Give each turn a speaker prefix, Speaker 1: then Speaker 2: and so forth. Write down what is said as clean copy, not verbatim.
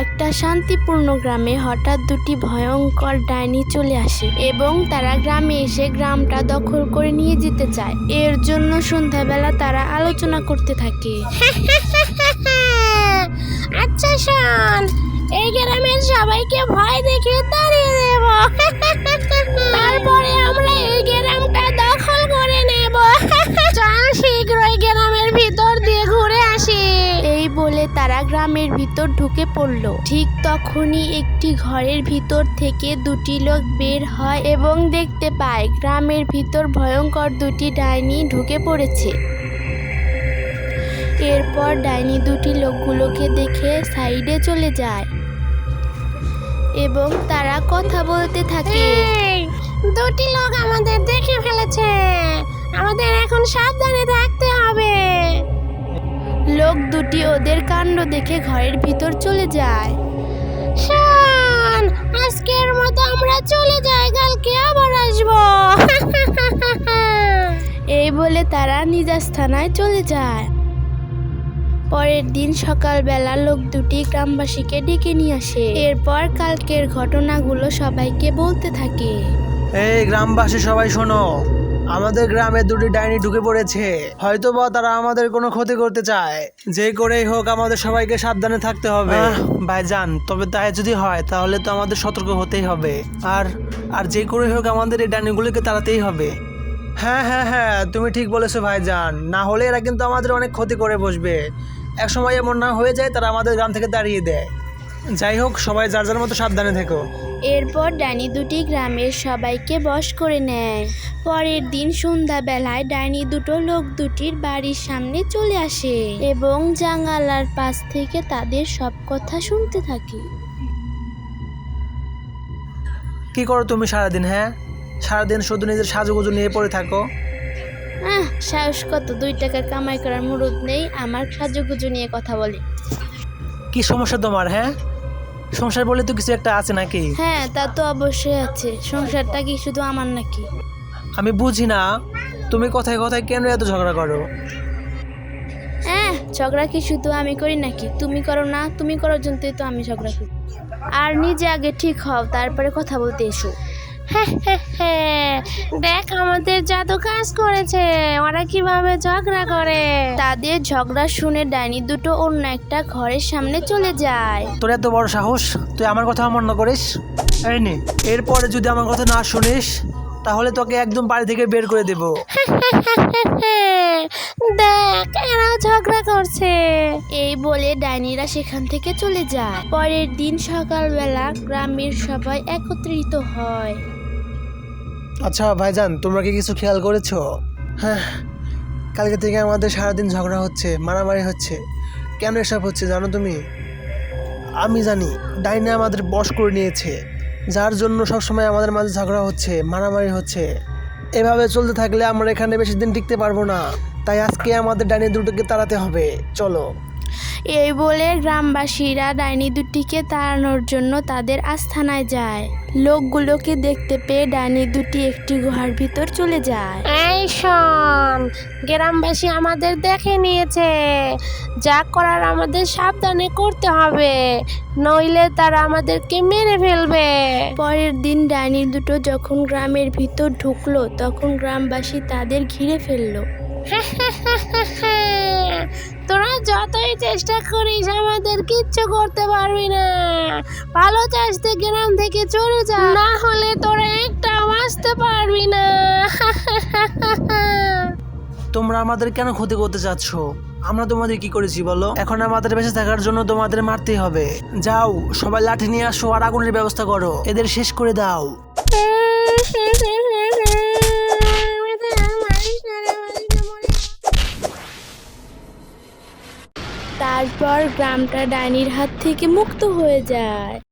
Speaker 1: একটা শান্তিপূর্ণ গ্রামে হঠাৎ দুটি ভয়ঙ্কর ডাইনি চলে আসে এবং তারা গ্রামে এসে গ্রামটা দখল করে নিয়ে যেতে চায়। এর জন্য সন্ধ্যাবেলা তারা আলোচনা করতে থাকে।
Speaker 2: আচ্ছা শোন, এই গ্রামের সবাইকে ভয় দেখিয়ে তাড়িয়ে দেব, তারপরে আমরা এই গ্রামটা দখল করে নেব। চল শীঘ্রই গ্রামের ভিতর দিয়ে ঘুরে আসি।
Speaker 1: এই বলে তারা গ্রামের ভিতর ঢুকে পড়ল। ঠিক তখনই একটি ঘরের ভিতর থেকে দুটি লোক বের হয় এবং দেখতে পায় গ্রামের ভিতর ভয়ঙ্কর দুটি ডাইনি ঢুকে পড়েছে। এরপর ডাইনি দুটি লোকগুলোকে দেখে সাইডে চলে যায় এবং তারা কথা বলতে থাকে।
Speaker 2: এই, দুটি লোক আমাদের দেখে ফেলেছে, আমাদের এখন সাবধানে থাকতে হবে।
Speaker 1: লোক দুটি ওদের কাণ্ড দেখে ঘরের ভিতর চলে যায়।
Speaker 2: শোন, আজকের মতো আমরা চলে যাই, কালকে আবার আসবো।
Speaker 1: এই বলে তারা নিজ স্থানায় চলে যায়। পরের দিন সকালবেলা লোক দুটি গ্রামবাসীকে ডেকে নিয়ে আসে। এরপর কালকের ঘটনাগুলো সবাইকে বলতে থাকে।
Speaker 3: এই গ্রামবাসী সবাই শোনো, আমাদের গ্রামে দুটি ডাইনি ঢুকে পড়েছে। হয়তোবা তারা আমাদের কোনো ক্ষতি করতে চায়। যে করেই হোক আমাদের সবাইকে সাবধানে থাকতে হবে। ভাইজান, তবে তাই যদি হয় তাহলে তো আমাদের সতর্ক হতেই হবে। আর আর যে করেই হোক আমাদের এই ডাইনিগুলোকে তাড়াতেই হবে। হ্যাঁ হ্যাঁ হ্যাঁ, তুমি ঠিক বলেছো ভাইজান, না হলে এরা কিন্তু আমাদের অনেক ক্ষতি করে বসবে। এক সময় এমন না হয়ে যায় তারা আমাদের গ্রাম থেকে তাড়িয়ে দেয়। যাই হোক, সবাই যার যার মতো সাবধানে থেকো।
Speaker 1: এরপর ডাইনি দুটি গ্রামের সবাইকে বশ করে নেয়। পরের দিন সন্ধ্যাবেলায় ডাইনি দুটো লোক দুটির বাড়ির সামনে চলে আসে এবং জানালার পাশ থেকে তাদের সব কথা শুনতে থাকে।
Speaker 3: কি করো তুমি সারাদিন? হ্যাঁ, সারাদিন শুধু নিজের সাজুগুজু নিয়ে পড়ে থাকো।
Speaker 1: সাহস কত, 2 টাকা কামাই করার মুরুদ নেই, আমার সাজুগুজু নিয়ে কথা বলে।
Speaker 3: কি সমস্যা তোমার? হ্যাঁ, সংসার বলে তো কিছু একটা আছে নাকি?
Speaker 1: হ্যাঁ, তা তো অবশ্যই আছে। সংসারটা কি শুধু আমার নাকি?
Speaker 3: আমি বুঝি না, তুমি কথায় কথায় কেন এত ঝগড়া করো?
Speaker 1: ঝগড়া কি শুধু আমি করি নাকি? তুমি করো না? তুমি করার জন্যই তো আমি ঝগড়া করি। আর নিজে আগে ঠিক হও, তারপরে কথা বলতে এসো।
Speaker 2: দেখ আমাদের জাদু কাজ করেছে, ওরা কিভাবে ঝগড়া করে।
Speaker 1: তাদের ঝগড়া শুনে ডাইনি দুটো অন্য একটা ঘরের সামনে চলে যায়।
Speaker 3: তোর এত বড় সাহস, তুই আমার কথা অমান্য করিস? এই নে, এরপরে যদি আমার কথা না শুনিস তাহলে তোকে একদম বাড়ি থেকে বের করে দেব।
Speaker 2: দেখ এরা ঝগড়া করছে।
Speaker 1: এই বলে ডাইনিরা সেখান থেকে চলে যায়। পরের দিন সকালবেলা গ্রামের সবাই একত্রিত হয়।
Speaker 3: আচ্ছা ভাইজান, তোমরা কি কিছু খেয়াল করেছো? হ্যাঁ, কালকে থেকে আমাদের সারাদিন ঝগড়া হচ্ছে, মারামারি হচ্ছে। কেন এসব হচ্ছে জানো তুমি? আমি জানি, ডাইনি আমাদের বশ করে নিয়েছে, যার জন্য সবসময় আমাদের মাঝে ঝগড়া হচ্ছে, মারামারি হচ্ছে। এভাবে চলতে থাকলে আমরা এখানে বেশি দিন টিকতে পারবো না। তাই আজকে আমাদের ডাইনি দুটোকে তাড়াতে হবে, চলো।
Speaker 1: এই বলে গ্রামবাসীরা ডাইনি দুটিকে তাড়ানোর জন্য তাদের আস্তানায় যায়। লোকগুলোকে দেখতে পেয়ে ডাইনি দুটি একটি গুহার ভিতর চলে যায়।
Speaker 2: এই শোন, গ্রামবাসী আমাদের দেখে নিয়েছে, যা করার আমাদের সাবধানে করতে হবে, নইলে তারা আমাদেরকে মেরে ফেলবে।
Speaker 1: পরের দিন ডাইনি দুটো যখন গ্রামের ভিতর ঢুকলো তখন গ্রামবাসী তাদের ঘিরে ফেললো।
Speaker 2: তোরা যতই চেষ্টা করিস আমাদের কিচ্ছু করতে পারবি না। ভালো চাইতে গ্রাম থেকে চলে যা, না হলে তোরা একটা বাঁচতে পারবি না।
Speaker 3: তোমরা আমাদের কেন ক্ষতি করতে চাচ্ছ? আমরা তোমাদের কি করেছি বলো? এখন আমাদের বেঁচে থাকার জন্য তোমাদের মারতেই হবে। যাও, সবাই লাঠি নিয়ে আসো আর আগুনের ব্যবস্থা করো, এদের শেষ করে দাও।
Speaker 1: তারপর গ্রামটা ডাইনির হাত থেকে মুক্ত হয়ে যায়।